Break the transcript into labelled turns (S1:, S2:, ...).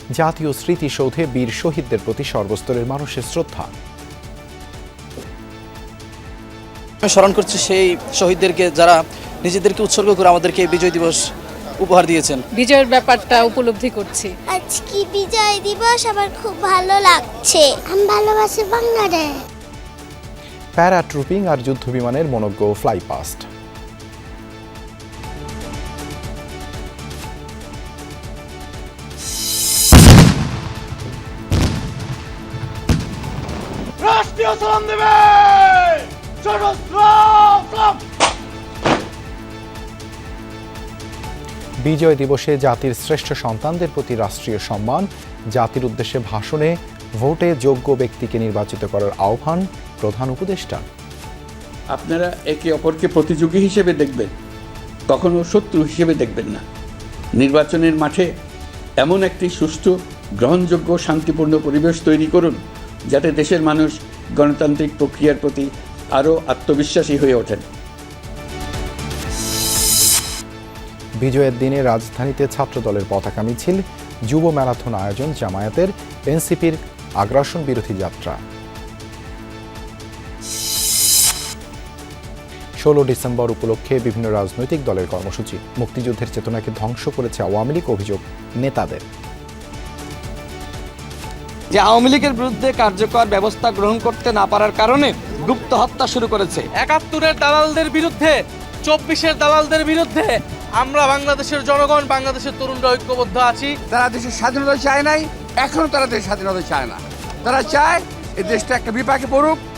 S1: জাতীয় স্মৃতিসৌধে বীর শহীদদের প্রতি সর্বস্তরের মানুষের শ্রদ্ধা।
S2: আমি স্মরণ করছি সেই শহীদদেরকে যারা নিজেদেরকে উৎসর্গ করে আমাদেরকে বিজয় দিবস উপহার দিয়েছেন।
S3: বিজয়ের ব্যাপারটা উপলব্ধি করছি।
S4: আজকে বিজয় দিবস আমার খুব ভালো লাগছে। আমি ভালোবাসি বাংলাদেশ।
S1: প্যারাট্রুপিং আর যুদ্ধবিমানের মনোজ্ঞ ফ্লাই পাস্ট।
S5: রাষ্ট্রীয় সালাম দেবে।
S1: বিজয় দিবসে জাতির শ্রেষ্ঠ সন্তানদের প্রতি রাষ্ট্রীয় সম্মান, জাতির উদ্দেশ্যে ভাষণে ভোটে যোগ্য ব্যক্তিকে নির্বাচিত করার আহ্বান প্রধান উপদেষ্টা।
S6: আপনারা একে অপরকে প্রতিযোগী হিসেবে দেখবেন, কখনো শত্রু হিসেবে দেখবেন না। নির্বাচনের মাঠে এমন একটি সুষ্ঠু, গ্রহণযোগ্য, শান্তিপূর্ণ পরিবেশ তৈরি করুন যাতে দেশের মানুষ গণতান্ত্রিক প্রক্রিয়ার প্রতি আরও আত্মবিশ্বাসী হয়ে ওঠেন।
S1: বিজয়ের দিনে রাজধানীতে ছাত্রদলের পতাকা মিছিল, যুব ম্যারাথন আয়োজন জামায়াতের, এনসিপির আগ্রাসন বিরোধী যাত্রা। 16 ডিসেম্বর উপলক্ষে বিভিন্ন রাজনৈতিক দলের কর্মসূচি। মুক্তিযুদ্ধের চেতনাকে ধ্বংস করেছে আওয়ামী লীগ, অভিযোগ নেতাদের।
S7: যে আওয়ামী লীগের বিরুদ্ধে কার্যকর ব্যবস্থা গ্রহণ করতে না পারার কারণে গুপ্ত হত্যা শুরু করেছে।
S8: 71-এর দালালদের বিরুদ্ধে, 24-এর দালালদের বিরুদ্ধে আমরা বাংলাদেশের জনগণ, বাংলাদেশের তরুণরা ঐক্যবদ্ধ আছি।
S9: তারা দেশের স্বাধীনতা চায় নাই, এখনো তারা দেশের স্বাধীনতা চায় না। তারা চায় এই দেশটা একটা বিপাকে পড়ুক,